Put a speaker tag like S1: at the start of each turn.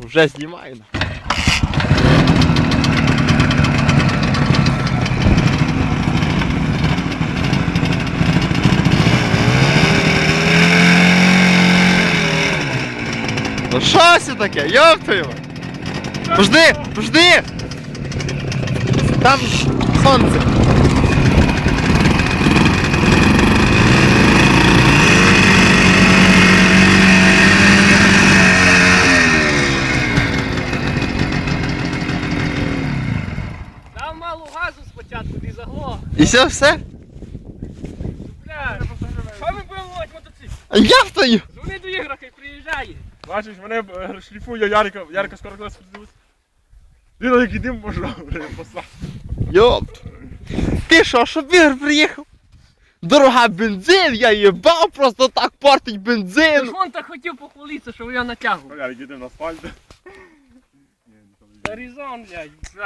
S1: Вже знімаю. Ну що це таке? Йоп твою! Пожди! Там сонце.
S2: Дав мало газу спочатку, ти заглох.
S1: І все?
S2: Бля, що ми будемо ловити мотоцикл?
S1: А я втаю!
S2: Дзвони до Ігора, хай приїжджає.
S3: Бачиш, мене шліфує Ярика скоро клас подивись. Він який дим пошов, посад.
S1: Йоп! Ти що, щоб Ігор приїхав? Дорога бензин, я їбав, просто так портить
S2: Ти
S1: бензин!
S2: ж вон так хотів похвалитися, що я натягував.
S3: Ярик, їдемо на асфальт.
S2: Горизонт, блядь.